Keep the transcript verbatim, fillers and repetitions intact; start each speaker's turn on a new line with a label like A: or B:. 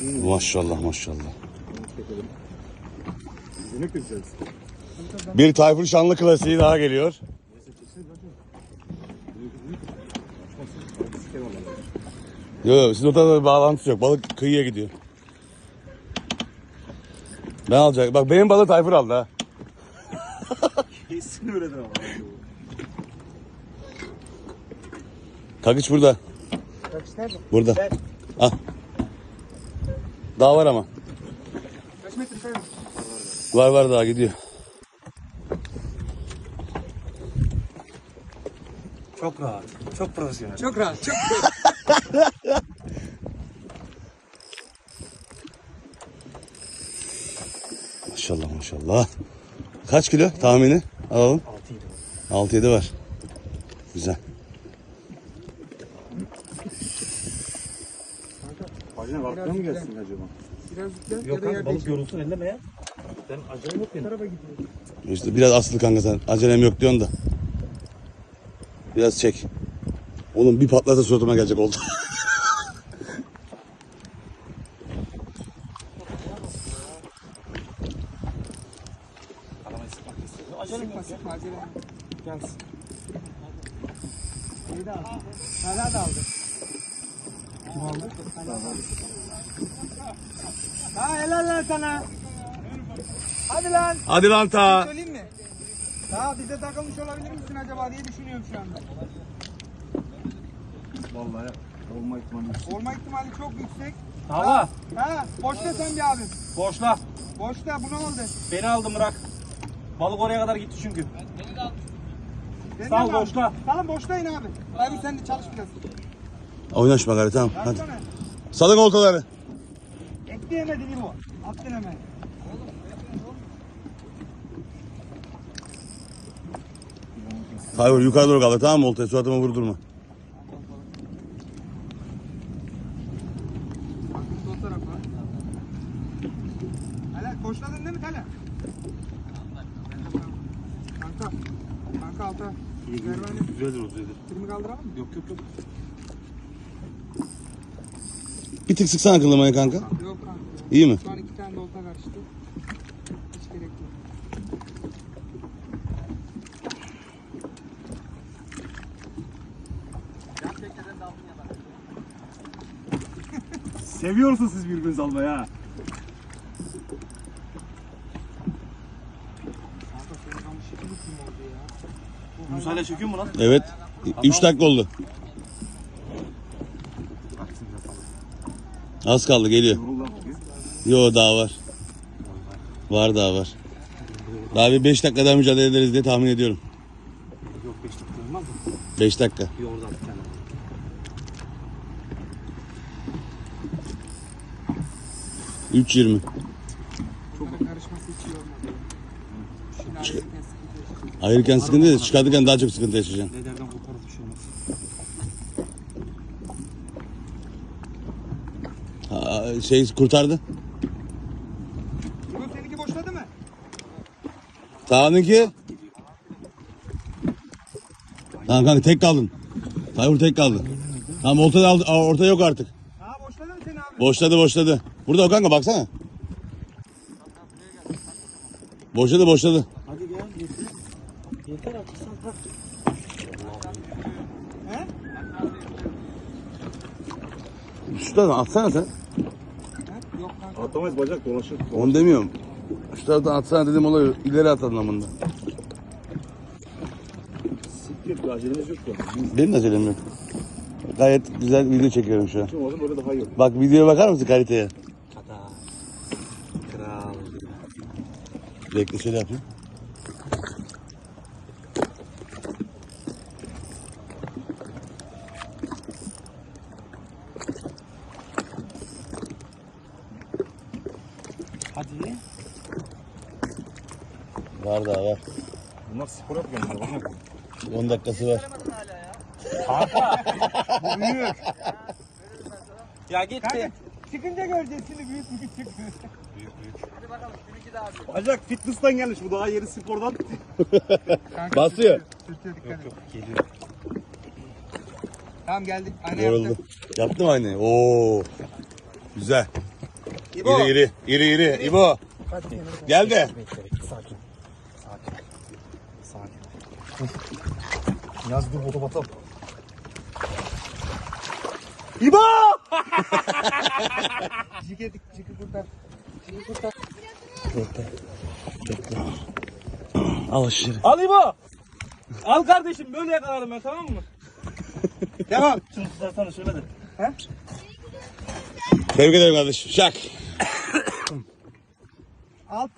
A: Maşallah maşallah. Bir Tayfur Şanlı klasiği daha geliyor. Yok yok, sizin o tarafa bir bağlantısı yok. Balık kıyıya gidiyor. Ben alacak. Bak benim balığı Tayfur aldı ha.
B: Kesin öyledir ama.
A: Kakıç burada.
C: Kaç nerede?
A: Burada.
C: Ver.
A: Ah. Daha var ama.
C: Kaç metre sayın?
A: Var var daha gidiyor.
B: Çok rahat. Çok profesyonel.
C: Çok rahat. Çok rahat.
A: Maşallah maşallah. Kaç kilo tahmini? Alalım.
B: altı yedi.
A: altı yedi var. Güzel.
B: Bacına balıktan mı gelsin acaba?
C: Biraz yüklen
B: Yok
C: ya da
B: kanka
C: yerde
B: balık
C: içe.
B: yorulsun elleme ya. Ben acayip yok benim.
C: Tarafa gidiyor.
A: İşte biraz aslı kanka sen. Acelem yok diyorsun da. Biraz çek. Oğlum bir patlasa suratıma gelecek oldu.
B: Aramayı sıkmak istiyorum. Acelem
C: Sıkma
B: yok ya.
C: sıkma acele.
B: Gelsin.
C: İyi de aldı. Hala da aldı.
B: Kim aldı?
C: Ha helal lan sana. Hadi lan.
A: Hadi lan ta.
C: Söyleyeyim mi? Daha bize takılmış olabilir misin acaba diye düşünüyorum şu anda.
B: Vallahi olma ihtimali yüksek.
C: Olma ihtimali çok yüksek.
B: Hava.
C: Ha boşta sen bir abim.
B: Boşla.
C: Boşta bunu aldı.
B: Beni aldım bırak. Balık oraya kadar gitti çünkü.
C: Sen
B: Sal,
C: de mi abi?
B: boşta.
C: Salın boştayın abi. Abi sen de çalış biraz.
A: Oynaşma gari tamam. Hadi.
C: Yapsana.
A: Salın oltaları.
C: Ekleyemedin İbo. Attın hemen.
A: Tayfur yukarı doğru kaldır tamam mı oltayı? Suratıma vurdurma.
C: Bakın sol tarafa. Hala boşladın değil mi Tala? Kanka. Kanka alta. Ver bana.
B: Güzeldir o güzeldir.
C: Kırmı kaldıralım mı?
B: Yok yok yok.
A: Bir tık sıksana kılımaya kanka.
C: Yok kanka.
A: İyi mi?
C: Şu an iki tane de olta karıştı. Hiç gerek yok.
B: Seviyorsunuz siz birbirinizi almayı ha.
C: Kanka senin kamış şekil kim oldu ya?
B: Yunus hala çekiyor mu lan?
A: Evet. üç dakika oldu. Az kaldı geliyor.
B: Yoruldan bugün.
A: Yo daha var. Var daha var. Daha bir beş dakika daha mücadele ederiz diye tahmin ediyorum.
B: Yok beş dakika olmaz mı?
A: beş dakika.
B: Bir orada bir tane.
A: üç yirmi.
C: Çok karışması hiç iyi olmadı. Şimdi ayrıyeten sıkıntı yaşayacağız.
A: Ayırırken sıkıntı değil, çıkartırken daha çok sıkıntı yaşayacaksın.
B: Ne derden koparız bir şey olmaz.
A: Ha, şey kurtardı.
C: İbo seninki boşladı mı?
A: Sağınınki. Tamam kanka tek kaldın. Tayfur tek kaldı. Tamam ortada aldı, aa, orta yok artık.
C: Ha boşladı mı seni abi?
A: Boşladı boşladı. Burada o kanka baksana. Boşladı boşladı.
B: Hadi gel yeter. Yeter artık sen bırak.
C: He?
A: Şuradan atsana sen.
C: He? Yok kanka.
B: Atamayız bacak dolaşır.
A: Onu demiyorum. Şu taraftan atsana dedim olay ileri at anlamında.
B: Siktir bir acelemiz yok şu an.
A: Benim de acelem yok. Gayet güzel video çekiyorum şu an.
B: Kim oldu böyle daha iyi olur.
A: Bak videoya bakar mısın kaliteye?
B: Kada. Kral.
A: Bekle şöyle yapayım.
B: Hadi.
A: Var daha var.
B: Bunlar spor yapmıyorlar bacak.
A: on dakikası var.
B: Bu büyük. Ya gitti.
C: Kanka çıkınca göreceğiz şimdi büyük büyük çıkıyor.
B: Büyük büyük. Hadi bakalım seninki daha büyük. Bacak fitness'tan gelmiş bu daha yeni spordan.
C: Kanka,
A: Basıyor.
C: Sürtüyor dikkat et.
B: Yok geliyor.
C: Tamam geldik. Ayna
A: Yoruldu.
C: yaptım.
A: Yaptım aynı. Oo. Güzel.
C: İbo.
A: İri iri. İri iri. İbo.
C: Hadi kenara koy.
A: Gel de.
C: Bekle bekle sakin. Sakin. Sakin. Yaz dur otobatam. İbo! Cike cike buradan. Cike buradan. Bekle. Bekle. Al aşırı.
B: Al İbo. Al kardeşim böyle yakalarım ben tamam mı? Devam. Şunu tutarsana şöyle de. He?
A: Tebrik ederim kardeşim. Şak.
C: Al